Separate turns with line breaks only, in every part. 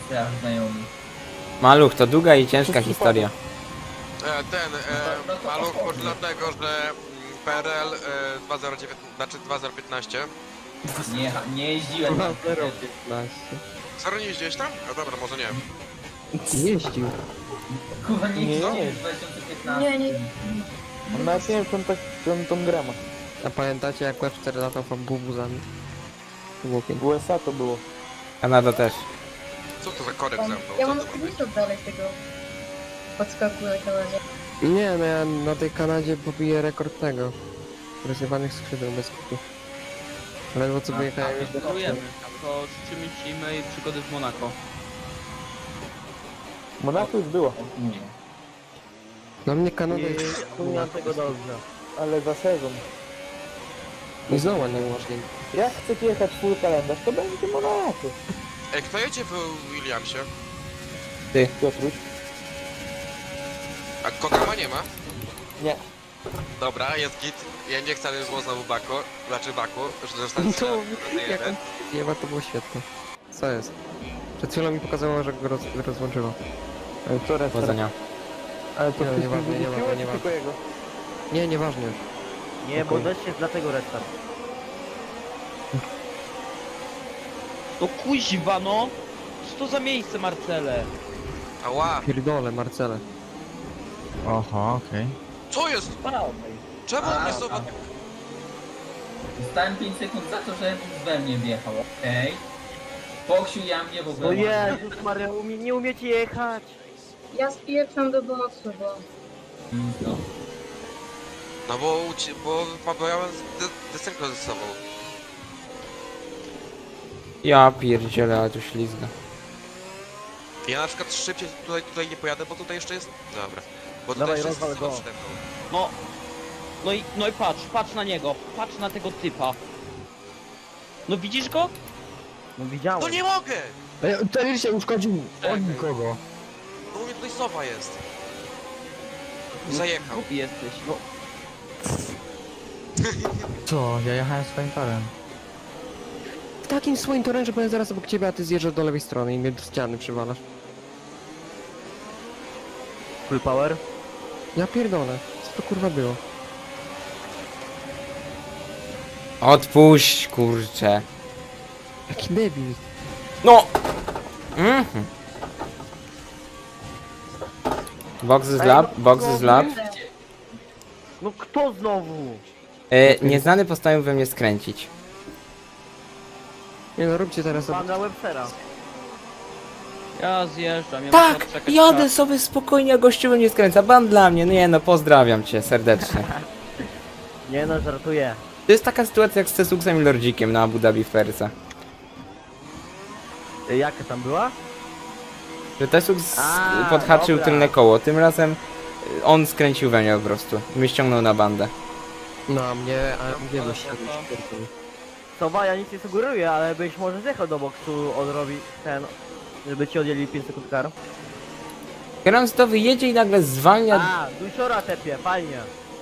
straż znajomy.
Maluch, to długa i ciężka historia.
Maluch może dlatego, że PRL 2019, znaczy 2015.
Nie jeździłem na
0,15.
Serio nie jeździłeś tam? A dobra, może nie.
Jeździł.
Kurwa, nie
Nie,
jeździłem
nie.
w 2015.
Nie.
On nawet nie wiem, czy on tą grama.
A pamiętacie jak Webster latał bubuzami? To było
W
piękne.
USA to było.
Kanada też.
Co to za korek ze mną?
Ja
Co
mam
to ma być?
screenshot dalej tego podskaku na Kanadzie.
Nie, no ja na tej Kanadzie pobiję rekord tego. Rozjebanych skrzydeł bez kutu. Ledwo co wyjechałem już do
Gratulujemy. To życzymy ci miłej przygody w Monako.
Monaco już było,
Nie.
Dla mnie Kanada jest...
wspominam tego dobrze. Ale za sezon.
I znowu nie umożliwi.
Jak chcecie jechać full kalendarz, to będzie Monaco.
Ej, kto jedzie w Williamsie?
Piotruś?
A Kokama nie ma?
Nie.
Dobra, jest git. Ja nie chcę, żeby było znowu Baku, że zostanie
To jak on jeba, to było świetne. Co jest? Przed chwilą mi pokazało, że go rozłączyło.
Ale co reszta?
Powodzenia.
Ale to
Nie,
wszystkim
nieważne,
wyrzuciło,
nieważne,
czy
nieważne.
tylko jego?
Nie, nieważne już.
Nie, bo
Okej.
też jest dlatego restart.
No kuźwa no! Co to za miejsce, Marcele?
Ała!
Pierdolę, Marcele.
Oho, okej.
Co jest? Czemu on mnie zobacz?
Dostałem 5 sekund za to, że we mnie wjechał, okej? Foksiu, ja mnie w ogóle...
No Jezus Maria, nie umiecie jechać.
Ja spieprzam do pomocy, bo...
No.
No bo ja mam desynchronizował.
Ja pierdzielę, ale tu ślizga.
Ja na przykład szybciej tutaj nie pojadę, bo tutaj jeszcze jest... Dobra. Bo tutaj
Dawaj,
jeszcze jest
rozwal go.
przede mną.
No. No i patrz na niego. Patrz na tego typa. No widzisz go?
No widziałem.
No nie mogę!
Ten się uszkodził
Czekaj.
od nikogo.
No u mnie tutaj sowa jest. Zajechał.
Głupi jesteś, no.
Co? Ja jechałem swoim torem.
W takim swoim torem, że powiem zaraz obok ciebie, a ty zjeżdżasz do lewej strony i mnie do ściany przywalasz.
Full power.
Ja pierdolę. Co to kurwa było?
Odpuść, kurczę.
Jaki debil.
No! Mhm. Box is lab, box is lab.
No kto znowu?
Nieznany postanowił we mnie skręcić.
Nie no, róbcie teraz
Pan na Webstera.
Ja zjeżdżam, ja
Tak!
muszę odczekać
Jadę
czas.
sobie spokojnie, a gościu we mnie skręca. Ban dla mnie. No nie no, pozdrawiam cię serdecznie.
Nie no, żartuję.
To jest taka sytuacja jak z Cesuksem i Lordzikiem na Abu Dhabi Fersa.
Jaka tam była?
Że Tesux
A,
podhaczył
dobra.
tylne koło. Tym razem on skręcił we mnie po prostu. Mnie ściągnął na bandę.
na mnie, a gdzie byś
Sowa, ja nic nie sugeruję, ale byś może zjechał do boksu, odrobi ten... Żeby ci odjęli 5 sekund kar.
Kierowca to wyjedzie i nagle zwalnia.
A, dusiora tepie, fajnie.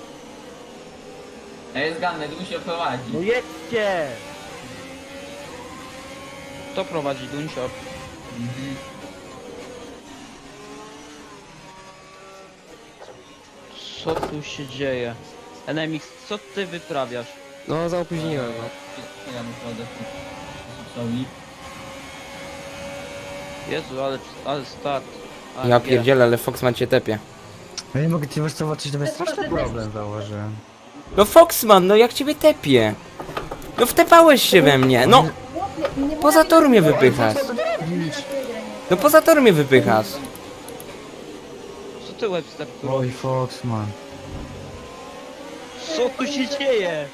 To jest ganny, tu się prowadzi.
No jedźcie!
Kto prowadzi Dunsior?
Mhm.
Co tu się dzieje? NMX, co ty wyprawiasz?
No, zaopóźniłem, no.
Ja muszę odepchnąć Cesusowi.
Jezu, ale start. A,
Ja
nie.
pierdzielę, ale Fox ma cię tepie.
Ja nie mogę ci zobaczyć, to jest straszny problem zauważyłem.
No Foxman, no jak ciebie tepie? No wtepałeś się we mnie, no! Poza tor mnie wypychasz. No poza tor mnie wypychasz.
Co ty Webster tu
Oj,
robisz?
Foxman.
Co tu się dzieje?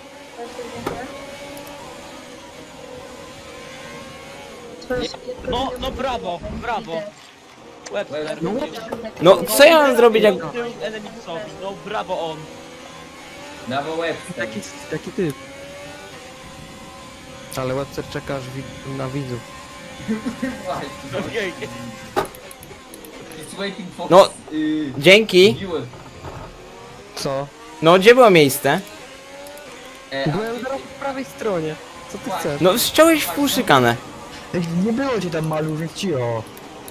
No brawo, brawo. Webster.
No co ja mam zrobić jak...
Tył NMX-owi, no brawo on.
Brawo Webster.
Taki typ. Ale Webster czeka aż na widzów.
Właśnie.
Okej.
It's waiting for...
No, dzięki.
Viewer.
Co?
No gdzie było miejsce?
Byłem zaraz po prawej stronie. Co ty chcesz?
No ściąłeś w pół szykanę.
Ej, nie było cię tam malu, więc cio.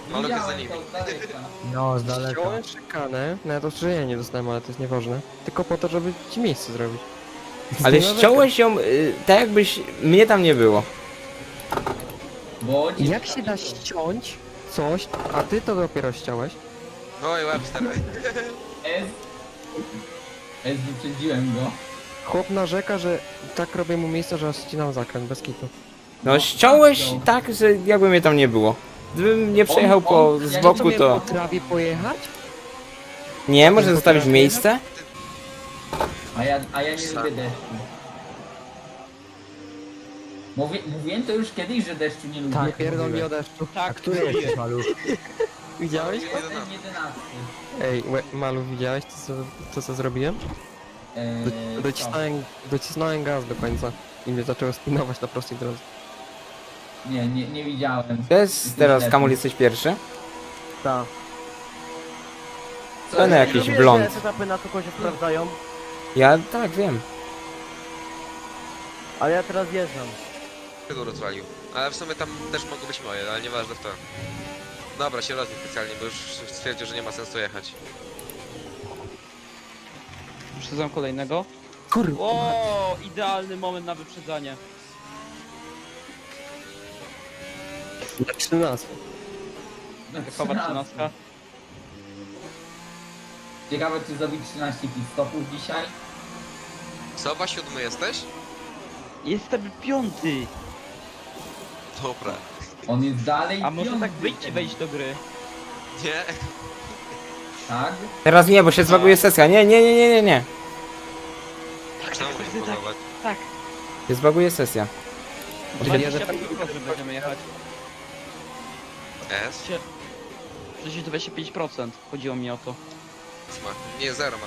Maluch jest za
Widziałem
nimi.
to z daleka.
No, z daleka.
Ściąłem szykanę, nawet ostrzeżenia nie dostałem, ale to jest nieważne. Tylko po to, żeby ci miejsce zrobić.
Ale
Nie ma
ściąłeś ją tak jakbyś... Mnie tam nie było.
Bo
Jak się da ściąć coś, a ty to dopiero ściąłeś?
Oj, Webster.
S wyprzedziłem go.
Chłop narzeka, że tak robię mu miejsce, że aż ścinam zakręt, bez kitu.
No ściąłeś tak, że jakby mnie tam nie było. Gdybym nie przejechał po z
ja
boku,
Sobie
to...
potrafię pojechać?
Nie, może zostawić miejsce?
A ja nie lubię deszczu. Mówiłem to już kiedyś, że deszczu nie lubię.
Tak, pierdol mi o deszczu.
Tak,
Który jesteś, maluch?
Widziałeś?
Ten 11.
Ej, Malu, widziałeś to co zrobiłem? Docisnąłem gaz do końca i mnie zaczęło spinować na prostej drodze.
Nie widziałem.
To jest teraz, Kamul, jesteś pierwszy?
Tak.
Co
Ten
ja
jakiś
robię?
Wiesz,
blond.
że etapy na to się sprawdzają,
Ja tak wiem.
ale ja teraz jeżdżam.
Go rozwalił. Ale w sumie tam też mogły być moje, ale nieważne w to. Dobra, się rozbił specjalnie, bo już stwierdził, że nie ma sensu jechać.
Wyprzedzam kolejnego.
Kurwa.
O, idealny moment na wyprzedzanie.
Na 13.
Typowa 13.
Ciekawe, czy zrobić 13 pit stopów dzisiaj?
Sowa, 7 jesteś?
Jestem 5.
Dobra.
On jest dalej
A może tak
piąty.
wyjdźcie wejść do gry?
Nie?
Tak?
Teraz nie, bo się zbaguje sesja. Nie.
Czemu nie próbować?
Tak.
Się zbaguje sesja.
25% będziemy jechać.
S?
Przecież 25%. Chodziło mi o to.
Ma. Nie, 0 ma.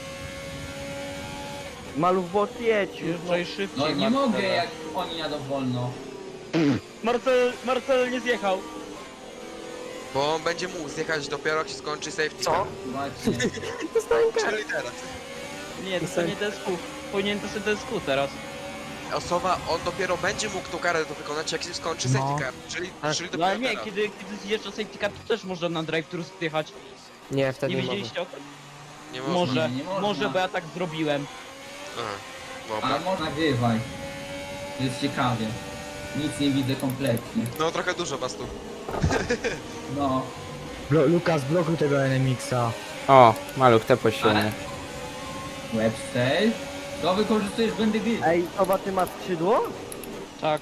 Maluch bot jedź już, no.
Jeżdżaj szybciej,
No nie
Marcele.
mogę, jak oni jadą wolno.
Marcel nie zjechał.
Bo on będzie mógł zjechać dopiero jak się skończy safety car.
Właśnie.
Czyli teraz.
Nie, to nie DSQ. Powinien to sobie DSQ teraz.
Osoba, on dopiero będzie mógł tą karę to wykonać jak się skończy
No.
safety car. Czyli
No
dopiero
ale nie,
teraz.
kiedy zjeżdża safety car, to też można na drive-thru zjechać.
Nie, wtedy
Nie
nie mogę.
widzieliście o tym?
Nie można.
Może,
Nie można.
może, bo ja tak zrobiłem.
Aha.
Ale
Dobra.
można nagrywaj. Jest ciekawie. Nic nie widzę kompletnie.
No trochę dużo was tu.
No.
Lukas, blokuj tego NMX-a.
O, maluch, te poświęcenie.
Webster. To wykorzystujesz błędy gry.
Ej, Sowa, ty masz skrzydło?
Tak.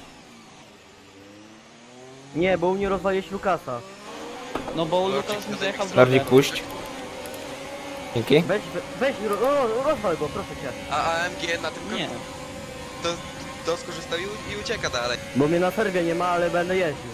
Nie, bo u mnie rozwaliłeś Lukasa.
No bo
No,
Lukas mi zajechał drogę.
Bardziej puść. Dzięki.
Weź, rozwal go, proszę cię.
A AMG na tym
Nie.
końcu to skorzystał i ucieka dalej.
Bo mnie na serwie nie ma, ale będę jeździł.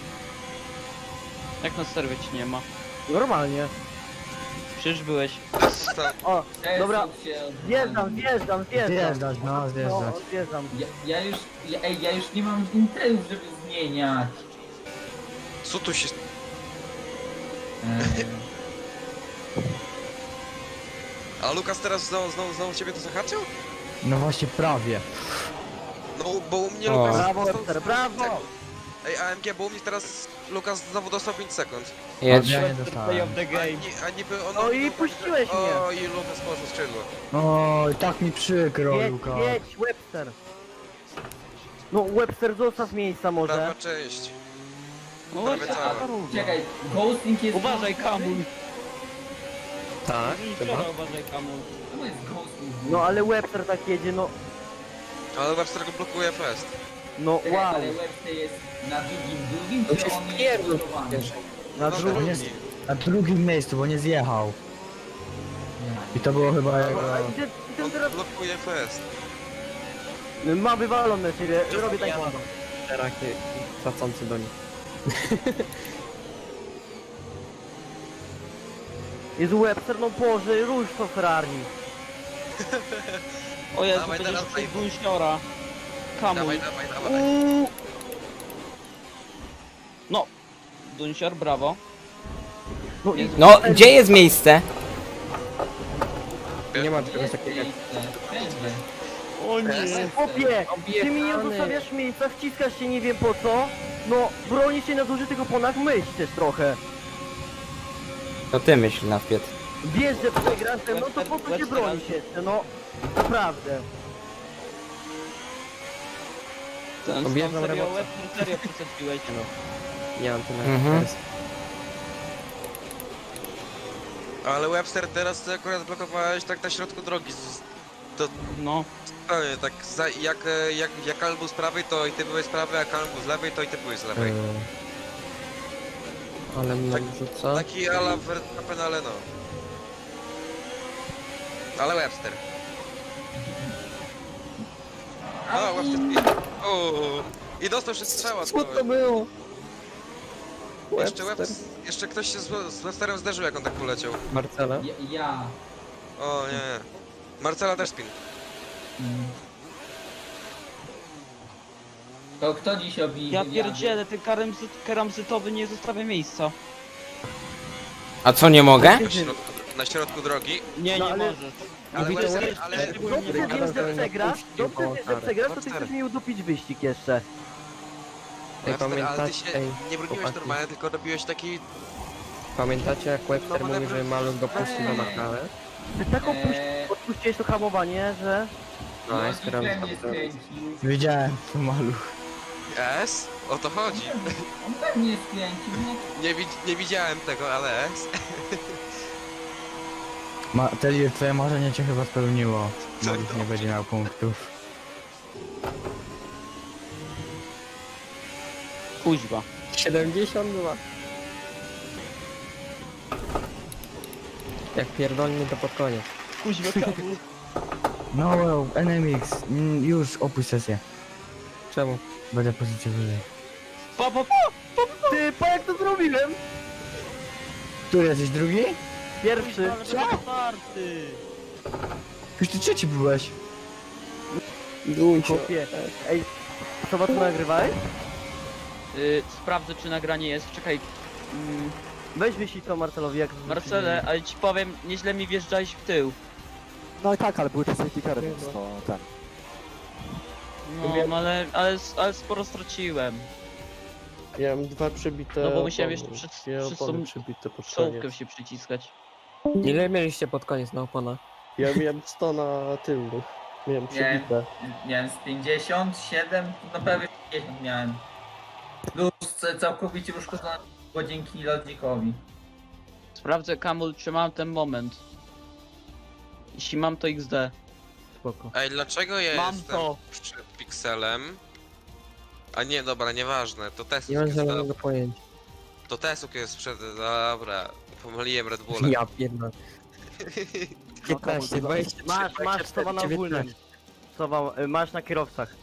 Jak na serwie ci nie ma.
Normalnie.
Przecież byłeś.
O, dobra,
Przesuń się od-
zjeżdżam.
Zjeżdżać, no, zjeżdżać.
No, zjeżdżam.
Ja już nie mam interów, żeby zmieniać.
Co tu się...
Eee,
A Lukas teraz znowu ciebie to zahaczył?
No właśnie, prawie.
No bo u mnie
O.
Lukas...
Brawo,
dostał
Webster,
5
brawo!
sekund. Ej, AMG, bo u mnie teraz Lukas znowu dostał 5 sekund.
Jedź.
Ja nie
Play
dostałem.
of the game.
A niby on...
No i puściłeś mnie.
O, i Lukas poszło skrzydło.
Oj, tak mi przykro,
Jedź,
Lukas.
jedź, Webster. No, Webster, zostaw miejsca może.
Prawa część.
No
Prawie
właśnie,
cała.
a równo.
Czekaj, ghosting jest...
Uważaj, Kamul.
Tak, chyba.
Wczoraj uważaj, Kamul.
To jest ghosting.
No, ale Webster tak jedzie, no.
Ale Webster go blokuje fest.
No,
Czekaj,
wow.
ale Webster jest na drugim,
To
czy
się
on jest
wpierdol.
blokowany?
Na
No,
drugim.
On jest na drugim miejscu, bo nie zjechał. I to było chyba jego...
A idę
On
teraz...
blokuje fest.
Ma wywalone ciebie, robię taekwondo.
Rakie tracący do nich.
Jest Webster, no Boże, rusz to Ferrari.
O Jezu,
Dawaj,
będziesz
teraz
przez
daj.
Bunsiora. Kamul.
Dawaj.
No. Dunsior, brawo.
No i...
No, gdzie jest miejsce?
Nie ma czegoś takiego jak...
O nie.
Chłopie, ty mi nie
Objechany.
zostawiasz miejsca, wciskasz się nie wiem po co. No, bronisz się na zużytych oponach, myśl też trochę.
To ty myśl na wpiet.
Wiesz, że przegrasz, no to po co się bronisz jeszcze, no. Naprawdę.
Ten
Objeżdżam
serio,
robota.
serio przesadziłeś.
Nie mam tyle
Mhm.
Ale Webster, teraz ty akurat blokowałeś tak na środku drogi. To
No.
zupełnie tak, jak Kalm był z prawej, to i ty byłeś z prawej, a Kalm był z lewej, to i ty byłeś z lewej.
Ale mnie
Tak-
rzuca.
Taki ala Verstappen, ale no. Ale Webster. No, Webster. I dostał się strzała.
Co to było?
Jeszcze ktoś się z Websterem zderzył, jak on tak poleciał.
Marcela?
Ja.
O nie. Marcela też spin.
To kto dziś robi
Ja
wywiady?
pierdzielę, ten karamzytowy nie zostawia miejsca.
A co, nie mogę?
Na środku drogi.
Nie,
No,
nie
ale-
możesz.
Ale
Mówi to
Webster,
Webster.
ale...
Dobrze wiem, że przegrasz, dobrze wiem, że przegrasz, to ty
Webster.
chcesz mi udupić wyścig jeszcze.
Ej,
Webster, ale ty
pamiętacie,
się
ej,
nie broniłeś
chłopaki.
normalnie, tylko robiłeś taki...
Pamiętacie jak Webster
No,
mówi, że Maluk go puści na makalę?
Ty tak
Eee,
odpuściłeś to hamowanie, że...
No,
no,
jest
i we mnie skręcił.
Widziałem to maluch.
S? O to chodzi.
On we mnie skręcił, no.
Nie widziałem tego, ale S.
Telir, twoje marzenie cię chyba spełniło.
Co
Maluch nie
dobrze.
będzie miał punktów.
Kuźwa.
72. Jak pierdolnie to pod koniec.
Kuźwa, kawu.
No well, NMX, już opuść sesję.
Czemu?
Będę pozycję wyżej.
Pa.
Ty, pa jak to zrobiłem?
Tu jesteś drugi?
Pierwszy.
Czwarty.
Już ty trzeci byłeś.
Chłopie. Ej, co was nagrywałeś?
Sprawdzę, czy nagranie jest. Czekaj.
Weź wyślij to Marcelowi, jak...
Marcele, ale ci powiem, nieźle mi wjeżdżałeś w tył.
No i tak, ale były te safety cary, więc to ten.
No, ale sporo straciłem.
Ja mam 2 przebite.
No bo musiałem jeszcze
opony.
przed
Dwie
tą
opony przebite pod
czołówkę
koniec.
się przyciskać.
Ile mieliście pod koniec na oponach?
Ja miałem 100 na tylnych. Miałem przebite.
Miałem z 57, no prawie 50 miałem. Plus całkowicie uszkodzony tylko dzięki Lodzikowi.
Sprawdzę, Kamul, czy mam ten moment. Jeśli mam, to XD. Spoko.
Ej, dlaczego ja
Mam
jestem
to.
przed pikselem? A nie, dobra, nieważne, to Tesuk
Nie mam
jest,
żadnego pojęcia.
to Tesuk jest przed, dobra, pomyliłem Red Bullem.
Ja pierdolę. 15, 20,
Masz sowa na ogólnym. Sowa, masz na kierowcach.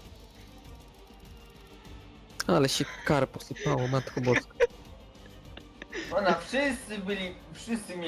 Ale się kar posypało, matko boska.
Ona wszyscy mieli